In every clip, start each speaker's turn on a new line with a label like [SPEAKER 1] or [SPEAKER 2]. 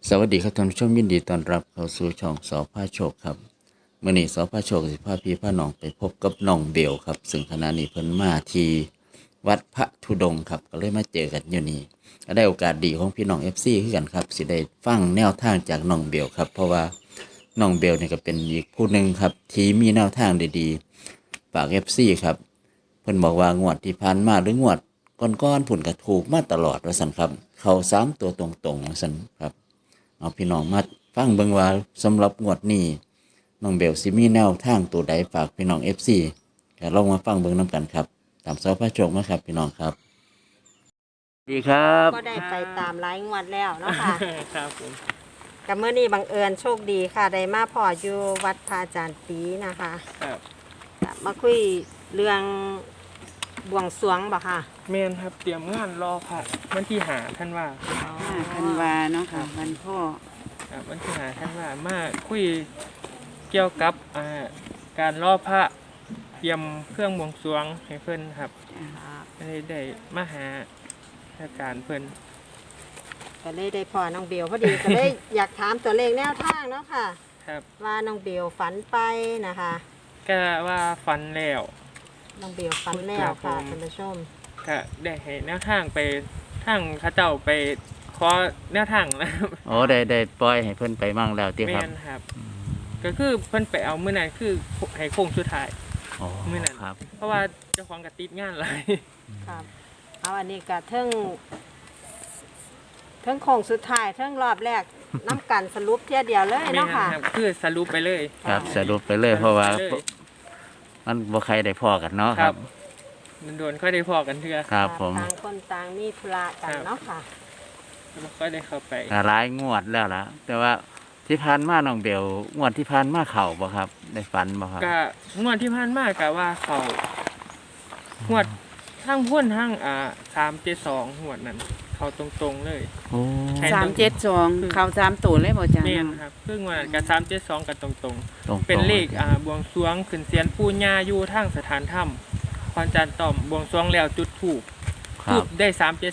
[SPEAKER 1] สวัสดีครับท่านผู้ชมยินดีต้อนรับเข้าสู่ช่องสอพาโชคครับมื้อนี้สอพาโชคสิพาพี่พาน้องไปพบกับน้องเบลครับซึ่งขณะนี้เพิ่นมาที่วัดพระธุดงค์ครับก็เลยมาเจอกันอยู่นี่ก็ได้โอกาสดีของพี่น้อง FC คือกันครับสิได้ฟังแนวทางจากน้องเบลครับเพราะว่าน้องเบลนี่ก็เป็นอีกผู้หนึ่งครับที่มีแนวทางดีๆฝาก FC ครับเพิ่นบอกว่างวดที่ผ่านมาหรืองวดก่อนๆผุ่นก็ถูกมาตลอดว่าซั่นครับเข้า3ตัวตรงๆว่าซั่นครับ เอาพี่น้องมาฟังเบิ่งว่าสำหรับงวดนี้น้องเบลสิมีแนวทางตัวใดฝากพี่น้อง FC ก็ลองมาฟังเบิ่งนํกันครับตามสพระโชคมาครับพี่น้องครับดีครับ
[SPEAKER 2] ก็ได้ไปตามรายงวดแล้วเนาะค่ะ
[SPEAKER 3] ครับผม
[SPEAKER 2] กับเมื่อนี้บังเอิญโชคดีค่ะได้มาพออยู่วัดพระอาจารย์ปีนะคะ
[SPEAKER 3] ครับ
[SPEAKER 2] ก็มาคุยเรื่องบวงสรวงบ่ค่ะ
[SPEAKER 3] เมนครับเตรียมงานรอค่ะวันที่หาท่านว่า
[SPEAKER 4] ธันวาเนาะค่ะวันพ่อ
[SPEAKER 3] ครับวันที่หาท่านว่ามาคุยเกี่ยวกับการรอพระเตรียมเครื่องบวงสรวงให้เพิ่นครับได้มาหาอาการเพิ่น
[SPEAKER 2] ก็เลยได้พอน้องเบลพอดี ก็เลยอยากถามตัวเลขแนวทางเนาะค่ะ
[SPEAKER 3] ครับ
[SPEAKER 2] ว่าน้องเบลฝันไปนะคะ
[SPEAKER 3] ก็ว่าฟันแล้ว
[SPEAKER 2] น้องเบลฝันแล้วค่ะท่านผู้ชม
[SPEAKER 3] ก็ได้ให้แนวทางไปทางเขาเจ้าไปขอแนวทางแล้ว
[SPEAKER 1] โอ้ได้ปล่อยให้เพิ่นไปมั่งแล้วติ
[SPEAKER 3] เม
[SPEAKER 1] ครับ
[SPEAKER 3] นครับ ก็คือเพิ่นไปเอามื้อนั้นคือให้โค้งสุดท้าย
[SPEAKER 1] อ๋อ
[SPEAKER 3] มื้อนั้น
[SPEAKER 1] ครับ
[SPEAKER 3] เพราะว่าเจ้าของก็ติดงานหลาย
[SPEAKER 2] ครับเอาอันนี้ก็เทิงโค้งสุดท้ายเทิงรอบแรกน้ำกันสรุปเที่ยเดียวเลยเนาะค่ะ
[SPEAKER 3] ครับคือสรุปไปเลย
[SPEAKER 1] ครับสรุปไปเลยเพราะว่า
[SPEAKER 3] สปไปเลย
[SPEAKER 1] มันบ่ใครได้พอกันเนาะครับ
[SPEAKER 3] มันโดนค่อยได้พอกันเทื่อ
[SPEAKER 1] ครับผม
[SPEAKER 2] ต่างคนต่างมีธุระกันเนาะค่ะ
[SPEAKER 3] แล้วค่อยได้เข้าไป
[SPEAKER 1] ก็หลายงวดแล้วล่ะแต่ว่าที่ผ่านมาน้องเบลงวดที่ผ่านมาเข้าบ่ครับได้ฝันบ่ครับ
[SPEAKER 3] ก็งวดที่ผ่านมากะว่าเขางวดทั้งพ่นทั้ง372งวดนั้นเขาตรงๆเลย
[SPEAKER 1] โอ้
[SPEAKER 3] ใช่
[SPEAKER 4] 372เข้า3ตัวเลยบ่จ้า
[SPEAKER 3] แม่นครับคืองวดนั้นกับ372กันตรง
[SPEAKER 1] ตรง
[SPEAKER 3] ๆ
[SPEAKER 1] ๆ
[SPEAKER 3] เป็นเลขบวงสรวงขึ้นเสียนปู่ย่าอยู่ทางสถานถ้ำพรจันทร์ต่อมบวงสรวงแล้วจุดธูป
[SPEAKER 1] ครั
[SPEAKER 3] ทู
[SPEAKER 1] บบ
[SPEAKER 3] ได้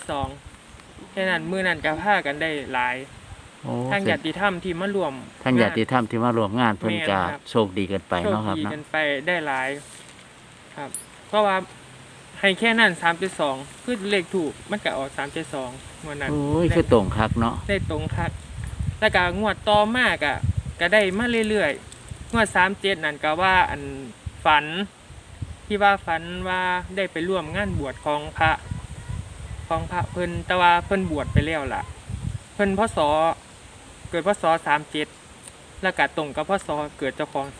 [SPEAKER 3] 372แค่นั้นมื้อนั้นก็พากันได้หลาย
[SPEAKER 1] โอ้
[SPEAKER 3] ทางญาติธรรมที่มารวม
[SPEAKER 1] ท่านญาติธรรมที่มารวมงานเพิ่นก็
[SPEAKER 3] แม่นครับ
[SPEAKER 1] โชคดีเกินไป
[SPEAKER 3] โชค
[SPEAKER 1] เนาะครับ
[SPEAKER 3] ดี
[SPEAKER 1] เนาะ
[SPEAKER 3] กันไปได้หลายครับ เพราะว่าให้แค่นั้น3.2คือเลขถูกมันก็ออก3.2วันนั้น
[SPEAKER 1] โอ้ยคือตรงคักเนาะ
[SPEAKER 3] ได้ตรงคักแล้วก็งวดต่อมากอ่ะก็ได้มาเรื่อยๆงวด37นั่นก็ว่าอันฝันที่ว่าฝันว่าได้ไปร่วมงานบวชของพระเพิ่นแต่ว่าเพิ่นบวชไปแล้วล่ะ เพิ่นพศเกิดพศ37แล้วก็ตรงกับพศเกิดเจ้าของ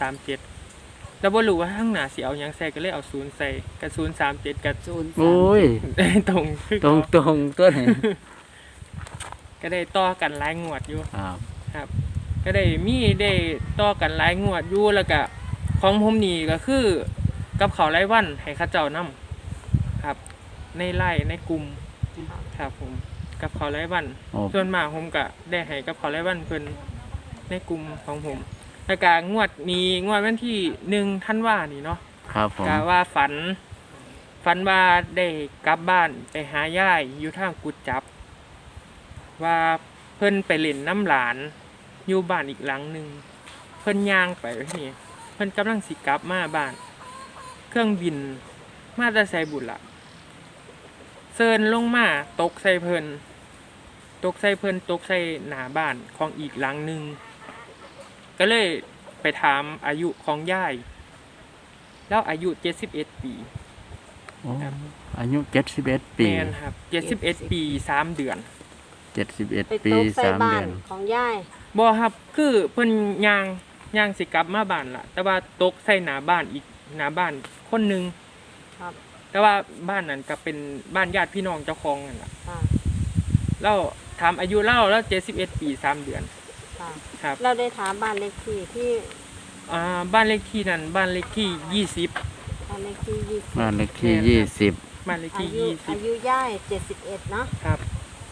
[SPEAKER 3] 37แล้วบ่รู้ว่าข้างหน้าสิเอาหยังใส่ก็เลยเอา0ใส่กับ037กับ
[SPEAKER 1] โอ้ย
[SPEAKER 3] ได้ตรงคือ
[SPEAKER 1] ตรง
[SPEAKER 3] เก่า
[SPEAKER 1] ตัวนี้
[SPEAKER 3] ก็ได้ต่อกันหลายงวดอยู่
[SPEAKER 1] ครับ
[SPEAKER 3] ครับ ก็ได้ต่อกันหลายงวดอยู่แล้วก็ของผมนี่ก็คือกับเขาวรายวันให้เขาเจ้านํครับ ในไร่ในกลุ่มครับผมกับเขาวรายวัน
[SPEAKER 1] โอ้
[SPEAKER 3] ส่วนมากผมก็ได้ให้กับเขาวรายวันเพิ่นในกลุ่มของผมแล้วก็งวดวันที่1ธันวานี่เนาะ
[SPEAKER 1] ครับผม
[SPEAKER 3] ก็ว่าฝันว่าได้กลับบ้านไปหาย่ายอยู่ทางกุดจับ ว่าเพิ่นไปเล่นน้ำหลานอยู่บ้านอีกหลังหนึ่งเพิ่นย่างไปนี่เพิ่นกำลังสิกลับมาบ้าน เครื่องบินมาแต่ไสบุญละเซินลงมาตกใส่เพิ่นตกใส่หน้าบ้านของอีกหลังหนึ่งก็เลยไปถามอายุของย่ายแล้วอายุ71 ปี
[SPEAKER 1] โอ้อายุ71 ปี
[SPEAKER 3] แม่นครับ71 ปี 3 เดือน
[SPEAKER 2] ไป
[SPEAKER 1] 71 ปี
[SPEAKER 2] ตกใส่
[SPEAKER 1] 3
[SPEAKER 2] บ้า
[SPEAKER 1] เดื
[SPEAKER 2] น
[SPEAKER 1] อน
[SPEAKER 2] ของยาย
[SPEAKER 3] บ่ครับคือเพิ่นย่างสิกลับมาบ้านล่ะ แต่ว่าตกใส่หน้าบ้านอีกหน้าบ้านคนหนึง
[SPEAKER 2] ครับ
[SPEAKER 3] แต่ว่าบ้านนั้นก็เป็นบ้านญาติพี่น้องเจ้าของนั่นล่ะ
[SPEAKER 2] ค่ะ
[SPEAKER 3] แล้วถามอายุเล่าแล้ว71 ปี 3 เดือน
[SPEAKER 2] ค่ะ
[SPEAKER 3] ครับ
[SPEAKER 2] เราได้ถามบ้านเลขที่ที่
[SPEAKER 3] บ้านเลขที่นั้นบ้านเลขที่ 20
[SPEAKER 2] บ้านเลขที่20
[SPEAKER 1] บ้านเลขที่
[SPEAKER 3] บ้านเลข
[SPEAKER 2] อา
[SPEAKER 3] ที่
[SPEAKER 2] ยุย่าย71เนาะ
[SPEAKER 3] 20ครับ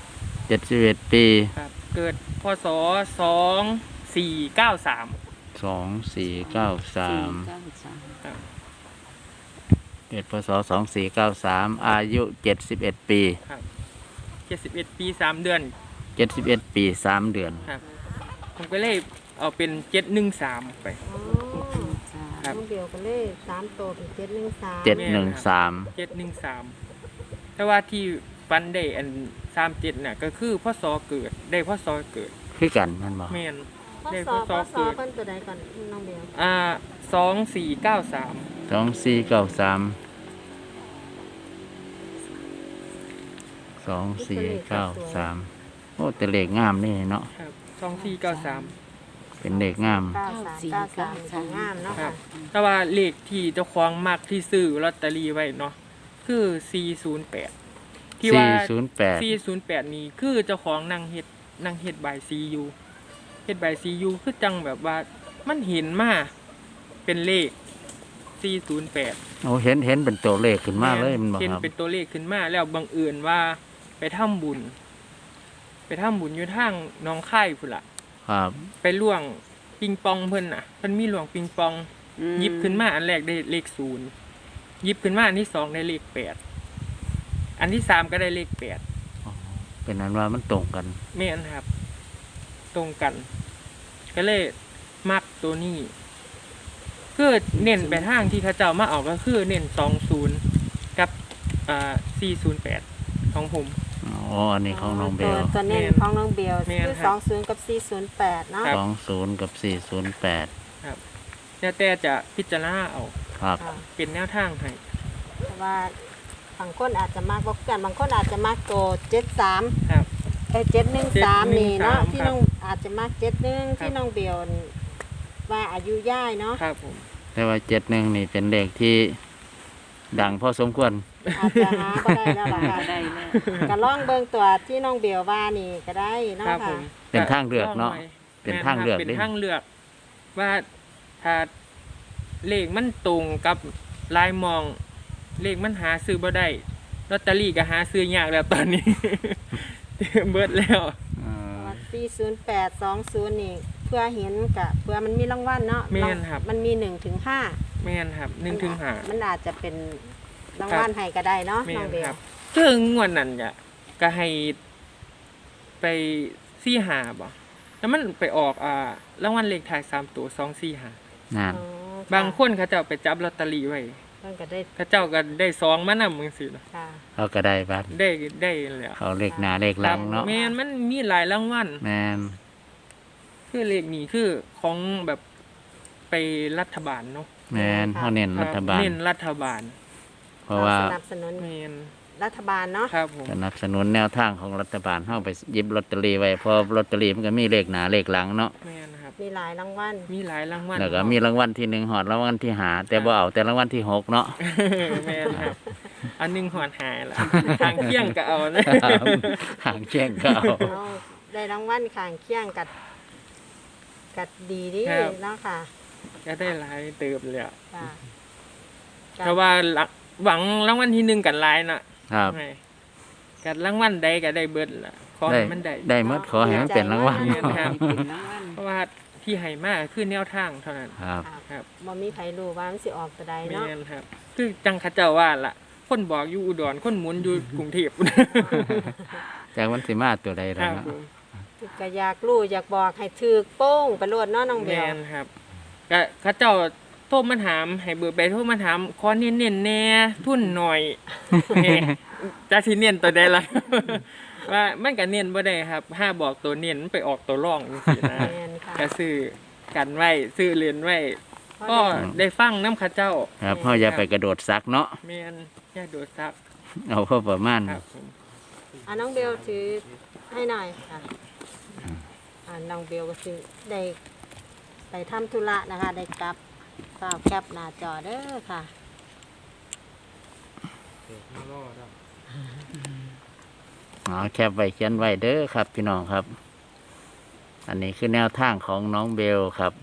[SPEAKER 1] 20 71 ปี
[SPEAKER 3] ครับ เกิดพศ2493
[SPEAKER 1] 2493
[SPEAKER 4] 493
[SPEAKER 3] ครับ
[SPEAKER 1] เกิดพศ2493 อายุ 71 ปี
[SPEAKER 3] 71 ปี 3 เดือน
[SPEAKER 1] 71 ปี3 เดือน
[SPEAKER 3] ครับผมก็เลยเอาเป็น713ไป
[SPEAKER 2] อ๋อ
[SPEAKER 3] ครับ
[SPEAKER 2] น้องเบลก็เลย3ตัวเป็น713
[SPEAKER 1] 713
[SPEAKER 3] 713แต่ว่าที่ฟันได้อัน37น่ะก็คือพ่อซอเกิดได้พ่อซอเกิด
[SPEAKER 1] คือกันแมันบ่
[SPEAKER 3] แม่น
[SPEAKER 2] พ่อ
[SPEAKER 3] ได้
[SPEAKER 2] ส
[SPEAKER 3] พ่
[SPEAKER 2] อ
[SPEAKER 3] อซอ
[SPEAKER 2] พ่อสอ
[SPEAKER 3] เกิด
[SPEAKER 2] เพิ่นตัวใดก่อนน้องเบล
[SPEAKER 3] 2493
[SPEAKER 1] 2493 โอ้แต่เลขงามนี่เนาะ
[SPEAKER 3] ครับ2493
[SPEAKER 1] เป็นเลขงาม
[SPEAKER 2] 9393งามเนาะ
[SPEAKER 3] ครั
[SPEAKER 2] ค่ะ
[SPEAKER 3] บ แต่ว่าเลขที่เจ้าของมักที่ซื้อลอตเตอรี่ไว้เนาะคือ408ที่ว่า
[SPEAKER 1] 408
[SPEAKER 3] 408นี้คือเจ้าของนั่งเฮ็ดใบซียูเฮ็ดใบซียูคือจังแบบว่ามันเห็นมาเป็นเลข408
[SPEAKER 1] โอ้เห็นเป็นตัวเลขขึ้นมาเลยมันบ่
[SPEAKER 3] เห็น
[SPEAKER 1] ครับ
[SPEAKER 3] เป็นตัวเลขขึ้นมาแล้วบังเอิญว่าไปทำบุญอยู่ทางหน้องค่ายพุ่นล่ะ
[SPEAKER 1] ครับ
[SPEAKER 3] ไปล่วงปิงปองเพิ่นน่ะเพิ่นมีหลวงปิงปองหยิบขึ้นมาอันแรกได้เลข0หยิบขึ้นมาอันที่2ได้เลข8อันที่3ก็ได้เลข8
[SPEAKER 1] เป็นนั้นว่ามันตรงกัน
[SPEAKER 3] แม่นครับ ตรงกัน ก็เลยมักตัวนี้คือเน้นไปทางที่เขาเจ้ามาเอาก็คือเน้น20กับ408ของผม
[SPEAKER 1] อ๋อ อันนี้ของน้องเบล
[SPEAKER 2] ตัวเน้นของน้องเบล
[SPEAKER 3] แม่น
[SPEAKER 2] คือ
[SPEAKER 3] ครับ
[SPEAKER 2] 20กับ408เนาะ
[SPEAKER 3] ครับ
[SPEAKER 1] 20 กับ 408
[SPEAKER 3] แล้วแต่จะพิจารณาเอา
[SPEAKER 1] ครับ
[SPEAKER 2] ค่ะ
[SPEAKER 3] เป็นแนวทางให้
[SPEAKER 2] เพราะว่าบางคนอาจจะมากบ่กันบางคนอาจจะมากตัว73
[SPEAKER 3] ครับ
[SPEAKER 2] 713นี่เนาะ
[SPEAKER 3] 713
[SPEAKER 2] ที่น้องอาจจะมาก71ที่น้องเบลว่าอายุย่ายเนาะ
[SPEAKER 3] ครับผม
[SPEAKER 1] แต่ว่า71นี่เป็นเลขที่ดังพอสมควร
[SPEAKER 2] อาจจะหาบ่ได้แล้วล่ะค่ะ
[SPEAKER 4] ได้แล้ว
[SPEAKER 2] ก็ลองเบิ่งตัวที่น้องเบลว่านี่ก็ได้เนาะ
[SPEAKER 3] ครับผ
[SPEAKER 2] ค่ะ
[SPEAKER 3] ม
[SPEAKER 1] เป็นทางเลือกเนาะ
[SPEAKER 3] ลงไว้
[SPEAKER 1] เป็นทางเลือก
[SPEAKER 3] เป็น
[SPEAKER 1] ดิ
[SPEAKER 3] ทางเลือก ว่าถ้าเลขมันตรงกับลายมอง เลขมันหาซื้อบ่ได้ลอตเตอรี่ก็หาซื้อยากแล้วตอนนี้ เบิดแล้ว
[SPEAKER 2] 40820นี่เพื่อเห็นกับเพื่อมันมีรางวัลเนาะ
[SPEAKER 3] แม่นครับ
[SPEAKER 2] มันมี1ถึง5
[SPEAKER 3] แม่นครับ1ถึง5
[SPEAKER 2] มันอาจจะเป็นรางวัลให้ก็ได้เนาะ
[SPEAKER 3] แม่
[SPEAKER 2] น้อง
[SPEAKER 3] น
[SPEAKER 2] เบล
[SPEAKER 3] ครับซึ่งงวดนั้นก็ให้ไป45บ่แล้วมันไปออกรางวัลเลขท้าย3ตัว245
[SPEAKER 1] นั่น
[SPEAKER 2] อ๋อ
[SPEAKER 3] บางคนเขาเจ้าไปจับลอตเตอรี่ไว้
[SPEAKER 2] เพิ่นก็ได้
[SPEAKER 3] เขาเจ้าก็ได้2มานำจังซี่นะ
[SPEAKER 2] ค่ะ
[SPEAKER 1] เขาก็ได้บัตร
[SPEAKER 3] ได้แล้ว
[SPEAKER 1] เขาเลขหน้าเลขหลังเนาะ
[SPEAKER 3] แม่นมันมีหลายรางวัล
[SPEAKER 1] แมน
[SPEAKER 3] คือเลขนี้คือของแบบไปรัฐบาลเนาะ
[SPEAKER 1] แมนเขาเน้นรัฐบาล
[SPEAKER 3] เน้นรัฐบาล
[SPEAKER 1] เพราะว่า
[SPEAKER 2] สนับสนุน
[SPEAKER 3] แมน
[SPEAKER 2] รัฐบาลเนาะ
[SPEAKER 3] ครับผม
[SPEAKER 1] สนับสนุนแนวทางของรัฐบาลเข้าไปหยิบลอตเตอรี่ไว้เพอลอตเตอรี่มันก็มีเลขหน้าเลขหลังเนาะ
[SPEAKER 3] แมนครับ
[SPEAKER 2] มีหลายรางวัล
[SPEAKER 3] มีหลายรางวัล
[SPEAKER 1] แล้วก็มีรางวัลที่1หอดรางวัลที่5แต่บ่เอาแต่รางวัลที่6เนาะ
[SPEAKER 3] แมนครับอันหนึงหอนหายละทางเที่ยงก็เอานะ
[SPEAKER 1] หางเชียงก็เอา
[SPEAKER 2] เอาได้รางวัลข้างเคียงกัดดีดีเนาะค่ะ
[SPEAKER 3] ก็ได้หลายเติบเลยอะ
[SPEAKER 2] ค่ะ
[SPEAKER 3] แต่ว่าหวังรางวัลที่1กันหลายน่ะ
[SPEAKER 1] ครับ
[SPEAKER 3] ไงกัรางวัลใดก็ได้เบิดล่ะขอ
[SPEAKER 1] ได้
[SPEAKER 3] ให้มันได้
[SPEAKER 1] ได้หมดขอให้มันเป็นรางวัล
[SPEAKER 3] แม่นครับ
[SPEAKER 4] เป็นรางวัล
[SPEAKER 3] เพราะว่าที่ให้มาคือแนวทางเท่านั้น
[SPEAKER 1] ครับ
[SPEAKER 3] ครับ
[SPEAKER 2] บ่มีใครรู้ว่ามันสิออกตัวใด
[SPEAKER 3] แม่
[SPEAKER 2] เนาะ
[SPEAKER 3] นครับ คือจังเขาเจ้าว่าล่ะ คนบอกอยู่อุดรคนหมุนอยู่กรุงเทพ
[SPEAKER 1] จากวันสิมาตัวใด
[SPEAKER 3] ค
[SPEAKER 1] แล้ว
[SPEAKER 3] รับ
[SPEAKER 1] เนาะ
[SPEAKER 3] ผม
[SPEAKER 2] ก็อยากรู้อยากบอกให้ถือโป้งไปโลดเนาะน้องเบ
[SPEAKER 3] แม่
[SPEAKER 2] ล
[SPEAKER 3] นครับก็เขาเจ้าโทรมาถามให้เบอร์ไปโทรมาถามขอเน้นๆแน่ทุนหน่อย แหม่จะสิเน้นตัวใดล่ะ ว่ามันก็เน้นบ่ได้ครับถ้าบอกตัวเน้นมันไปออกตัวร่องจังซี่นะ
[SPEAKER 2] แม่นค่ะ
[SPEAKER 3] ก็ซื้อกันไว้ซื้อเรียนไว้ก็ได้ฟังน้ำเข้าเจ้า
[SPEAKER 1] ครับเฮาอย่าไปกระโดดซักเนาะ
[SPEAKER 3] แม่นอย่าโดดซับ
[SPEAKER 1] เอาพอประมาณ
[SPEAKER 3] ครับผม
[SPEAKER 2] น้องเบลถือให้หน่อยค่ะน้องเบลก็คือได้ไปทำธุระนะคะ ได้กลับฝากแคปหน้าจอเด้อค่ะ
[SPEAKER 1] แคปไว้เขียนไว้เด้อครับพี่น้องครับ อันนี้คือแนวทางของน้องเบลครับ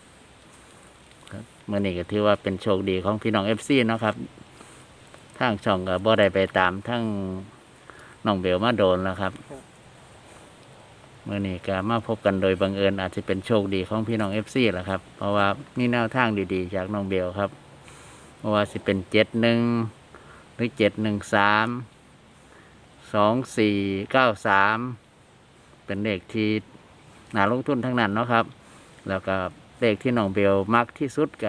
[SPEAKER 1] เมื่อนี้ก็ถือว่าเป็นโชคดีของพี่น้อง FC เนาะครับทางช่องก็บ่ได้ไปตามทั้งน้องเบลมาโดนแล้วครับเมื่อนี้ก็มาพบกันโดยบังเอิญอาจจะเป็นโชคดีของพี่น้อง FC แหละครับเพราะว่ามีแนวทางดีๆจากน้องเบลครับเพราะว่าสิเป็น71หรือ713 2493 เป็นเลขที่น่าลงทุนทั้งนั้นเนาะครับ แล้วก็เลขที่น้องเบลมักที่สุดก็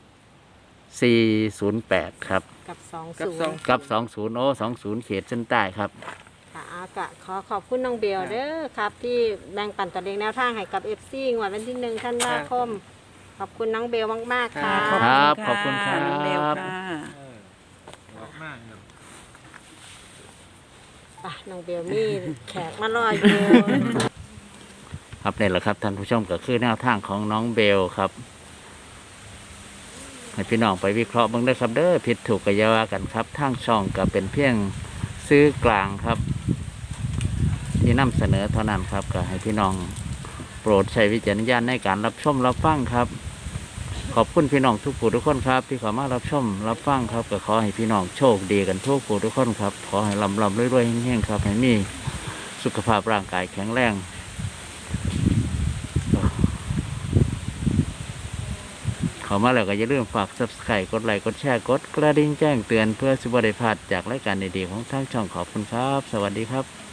[SPEAKER 1] 408ครับ
[SPEAKER 2] กับสอง
[SPEAKER 3] กับ
[SPEAKER 2] ศูน
[SPEAKER 3] สอง
[SPEAKER 2] ย์
[SPEAKER 1] กับ20โอ้20เขตเส้นใต้ครับ
[SPEAKER 2] ค่ะก็ขอบคุณน้องเบลเด้อครับ ที่แบ่งปันตัวเลขแนวทางให้กับ FC งวดวันที่1ธันวาคม ขอบคุณน้องเบลมากๆค่ะ
[SPEAKER 1] ครับขอบคุณครับ
[SPEAKER 4] น้องเบลค่ะ
[SPEAKER 2] อ่ะน้องเบลมีแขกมารออยู่
[SPEAKER 1] ครับนี่แหละครับท่านผู้ชมก็คือแนวทางของน้องเบลครับ ให้พี่น้องไปวิเคราะห์เบ้างได้อครับเด้อผิดถูกก็อย่าว่ากันครับทางช่องก็เป็นเพียงซื้อกลางครับ ที่นำเสนอเท่านั้นครับก็ให้พี่น้องโปรดใช้วิจารณญาณในการรับชมรับฟังครับ ขอบคุณพี่น้องทุกผู้ทุกคนครับ ที่เข้ามารับชมรับฟังครับก็ขอให้พี่น้องโชคดีกันทุกผู้ทุกคนครับขอให้ร่ำรวยๆเฮงๆครับให้มีสุขภาพร่างกายแข็งแรงเข้ามาแล้วก็อย่าลืมฝาก Subscribe กดไลค์กดแชร์กดกระดิ่งแจ้งเตือนเพื่อสิบได้พลาดจากรายการดีๆของทางช่องขอบคุณครับ สวัสดีครับ